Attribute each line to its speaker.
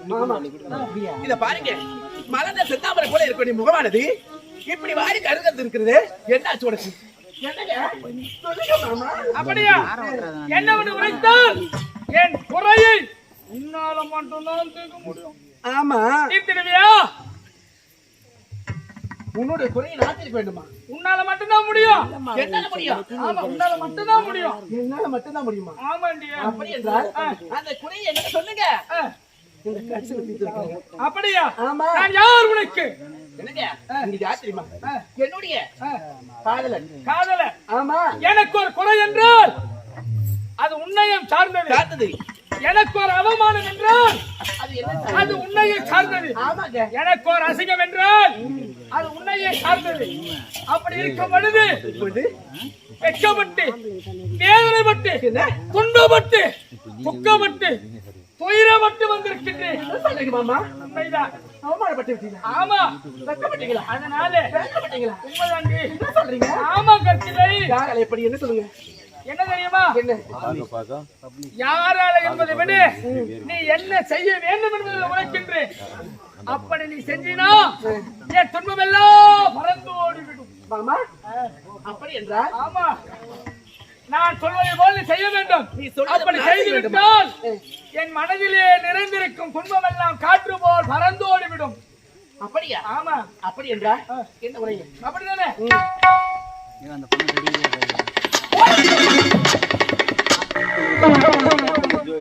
Speaker 1: இத பாருங்க, மலர்ந்த செந்தாமரை போல இருக்கக்கூடிய முகமானது இப்படி வாரி கருகிறது இருக்கிறது. என்னாச்சு உனக்கு?
Speaker 2: அப்படியா? என்ன உரைத்தால் என் குறையை உன்னால மட்டும்தான் தீர்க்க முடியும்.
Speaker 1: ஆமா,
Speaker 2: தீர்த்திடுவியா?
Speaker 1: உன்னுடைய குறையை நான் தீர்க்க வேண்டுமா?
Speaker 2: உன்னால மட்டும்தான் முடியும்.
Speaker 1: என்னால முடியும்?
Speaker 2: ஆமா, உன்னால மட்டும்தான் முடியும்.
Speaker 1: என்னால மட்டும்தான் முடியுமா?
Speaker 2: ஆமாண்டி.
Speaker 1: அப்படி என்றால் அந்த குறையை என்ன சொல்லுங்க. இந்த கட்சியில தீர்த்து.
Speaker 2: அப்படியா?
Speaker 1: ஆமா.
Speaker 2: நான் யார் உனக்கு?
Speaker 1: என்னங்க நீ யார் தெரியுமா? என்னுடைய காதலன்.
Speaker 2: காதலன்?
Speaker 1: ஆமா.
Speaker 2: எனக்கு ஒரு குறை என்றால் அது உன்னையும் சார்ந்தது. எனக்கு ஒரு அவமானம் என்றால் அது உன்னையை சார்ந்தது. எனக்கு ஒரு அசிங்கம் என்றால் அது உன்னையே சார்ந்தது. அப்படி இருக்கும் பொழுது வெட்கப்பட்டு, வேதனைப்பட்டு, துன்பப்பட்டு, துக்கப்பட்டு, துயரப்பட்டு வந்திருக்கின்றேன். உண்மைதான். ஆமா, அதனால உண்மைதாண்டி. ஆமா கற்கிலை.
Speaker 1: எப்படி என்ன சொல்லுங்க?
Speaker 2: என்ன தெரியுமா? யாரால என்பதை விட நீ என்ன செய்ய வேண்டும் என்பதை உரைக்கின்றேன். அப்படி நீ செஞ்சினா என் துன்பம் எல்லாம் பறந்து ஓடிவிடும்.
Speaker 1: அப்படி என்றால்?
Speaker 2: ஆமா, நான் சொல்வதை போல் நீ செய்ய வேண்டும். அப்படி செய்துவிட்டால் என் மனதிலே நிறைந்திருக்கும் துன்பம் எல்லாம் காற்று போல் பறந்து ஓடிவிடும்.
Speaker 1: அப்படியா?
Speaker 2: ஆமா.
Speaker 1: அப்படி என்றால் என்ன உரையும்?
Speaker 2: அப்படிதானே?
Speaker 3: அந்த பொண்ணு